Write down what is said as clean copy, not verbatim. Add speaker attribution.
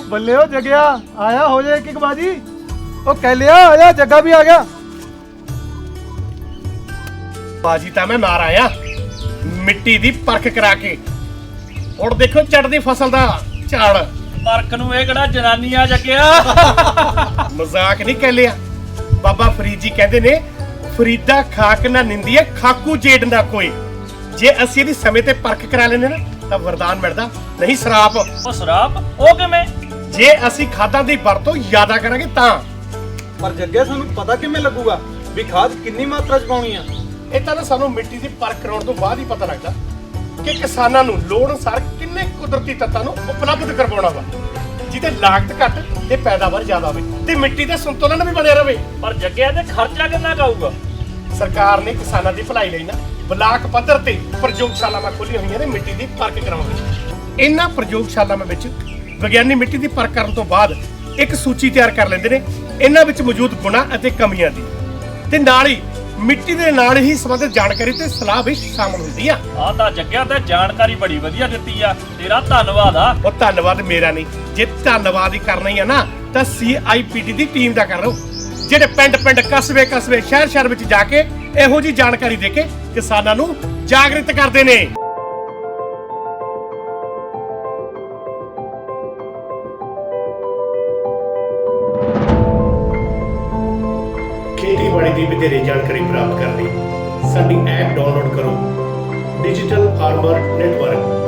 Speaker 1: ਬੱਲੇ ਓ ਜਗਿਆ ਆਇਆ ਹੋ ਜਾਏ ਇੱਕ ਬਾਜੀ ਉਹ ਕਹਿ ਲਿਆ ਆਇਆ ਜੱਗਾ ਵੀ ਆ ਗਿਆ।
Speaker 2: ਬਾਜੀ ਤਾਂ ਮੈਂ ਮਾਰ ਆਇਆ ਮਿੱਟੀ ਦੀ ਪਰਖ ਕਰਾ ਕੇ। ਹੁਣ ਦੇਖੋ ਚੜਦੀ ਫਸਲ ਦਾ ਝਾੜ।
Speaker 3: ਪਰਖ ਨੂੰ ਇਹ ਕਿਹੜਾ ਜਨਾਨੀ ਆ ਜੱਗਿਆ।
Speaker 2: ਮਜ਼ਾਕ ਨਹੀਂ ਕਹਿ ਲਿਆ। ਬਾਬਾ ਫਰੀਦ ਜੀ ਕਹਿੰਦੇ ਨੇ ਫਰੀਦਾ ਖਾਕ ਨਾ ਨਿੰਦੀ ਹੈ ਖਾਕੂ ਜੇਡ ਨਾ ਕੋਈ। ਜੇ ਅਸੀਂ ਇਹਦੀ ਸਮੇਂ ਤੇ ਪਰਖ ਕਰਾ ਲੈਂਦੇ ਨਾ ਤਾਂ ਵਰਦਾਨ ਮਿਲਦਾ, ਨਹੀਂ ਸਰਾਪ।
Speaker 3: ਉਹ ਸ਼ਰਾਬ ਉਹ ਕਿਵੇਂ?
Speaker 2: ਜੇ ਅਸੀਂ ਖਾਦਾਂ ਦੀ ਵਰਤੋਂ ਜ਼ਿਆਦਾ ਕਰਾਂਗੇ ਤਾਂ।
Speaker 1: ਪਰ ਜੱਗਿਆ ਸਾਨੂੰ ਪਤਾ ਕਿਵੇਂ ਲੱਗੂਗਾ ਵੀ ਖਾਦ ਕਿੰਨੀ ਮਾਤਰਾ ਚ ਪਾਉਣੀ ਆ?
Speaker 2: ਇਹ ਤਾਂ ਨਾ ਸਾਨੂੰ ਮਿੱਟੀ ਦੀ ਪਰਖ ਕਰਾਉਣ ਤੋਂ ਬਾਅਦ ਹੀ ਪਤਾ ਲੱਗਦਾ ਕਿ ਕਿਸਾਨਾਂ ਨੂੰ ਲੋੜ ਅਨੁਸਾਰ ਕਿੰਨੇ ਕੁਦਰਤੀ ਤੱਤਾਂ ਨੂੰ ਉਪਲਬਧ ਕਰਵਾਉਣਾ ਵਾ ਜਿਹਦੇ ਲਾਗਤ ਘੱਟ ਤੇ ਪੈਦਾਵਾਰ ਜ਼ਿਆਦਾ ਹੋਵੇ ਤੇ ਮਿੱਟੀ ਦਾ ਸੰਤੁਲਨ ਵੀ ਬਣਿਆ ਰਹੇ।
Speaker 3: ਪਰ ਜੱਗਿਆ ਤੇ ਖਰਚਾ ਕਿੰਨਾ ਕਾਊਗਾ?
Speaker 2: ਸਰਕਾਰ ਨੇ ਕਿਸਾਨਾਂ ਦੀ ਭਲਾਈ ਲਈ ਨਾ ਬਲਾਕ ਪੱਧਰ ਤੇ ਪ੍ਰਯੋਗਸ਼ਾਲਾਵਾਂ ਖੋਲ੍ਹੀਆਂ ਹੋਈਆਂ ਨੇ ਮਿੱਟੀ ਦੀ ਪਰਖ ਕਰਾਉਣ ਲਈ। ਇਹਨਾਂ ਪ੍ਰਯੋਗਸ਼ਾਲਾਵਾਂ ਵਿੱਚ ਵਿਗਿਆਨੀ ਮਿੱਟੀ ਦੀ ਪਰਖ ਕਰਨ ਤੋਂ ਬਾਅਦ ਇੱਕ ਸੂਚੀ ਤਿਆਰ ਕਰ ਲੈਂਦੇ ਨੇ ਇਹਨਾਂ ਵਿੱਚ ਮੌਜੂਦ ਗੁਣਾਂ ਅਤੇ ਕਮੀਆਂ ਦੀ, ਤੇ ਨਾਲ ਹੀ ਮਿੱਟੀ ਦੇ ਨਾਲ ਹੀ ਸੰਬੰਧਿਤ ਜਾਣਕਾਰੀ ਤੇ ਸਲਾਹ ਵੀ ਸ਼ਾਮਲ ਹੁੰਦੀ ਆ।
Speaker 3: ਆਹ ਤਾਂ ਜੱਗਿਆ ਤੇ ਜਾਣਕਾਰੀ ਬੜੀ ਵਧੀਆ ਦਿੱਤੀ ਆ, ਤੇਰਾ ਧੰਨਵਾਦ ਆ।
Speaker 2: ਉਹ ਧੰਨਵਾਦ ਮੇਰਾ ਨਹੀਂ, ਜੇ ਧੰਨਵਾਦ ਹੀ ਕਰਨਾ ਹੀ ਆ ਨਾ ਤਾਂ CIPD ਦੀ ਟੀਮ ਦਾ ਕਰ ਲਓ, ਜਿਹੜੇ ਪਿੰਡ ਕਸਬੇ ਸ਼ਹਿਰ ਵਿੱਚ ਜਾ ਕੇ ਇਹੋ ਜੀ ਜਾਣਕਾਰੀ ਦੇ ਕੇ ਕਿਸਾਨਾਂ ਨੂੰ ਜਾਗਰਿਤ ਕਰਦੇ ਨੇ। ਖੇਤੀਬਾੜੀ ਦੀ ਵਧੇਰੇ ਜਾਣਕਾਰੀ ਪ੍ਰਾਪਤ ਕਰਨ ਲਈ ਸਾਡੀ ਐਪ ਡਾਊਨਲੋਡ ਕਰੋ, ਡਿਜੀਟਲ ਫਾਰਮਰ ਨੈਟਵਰਕ।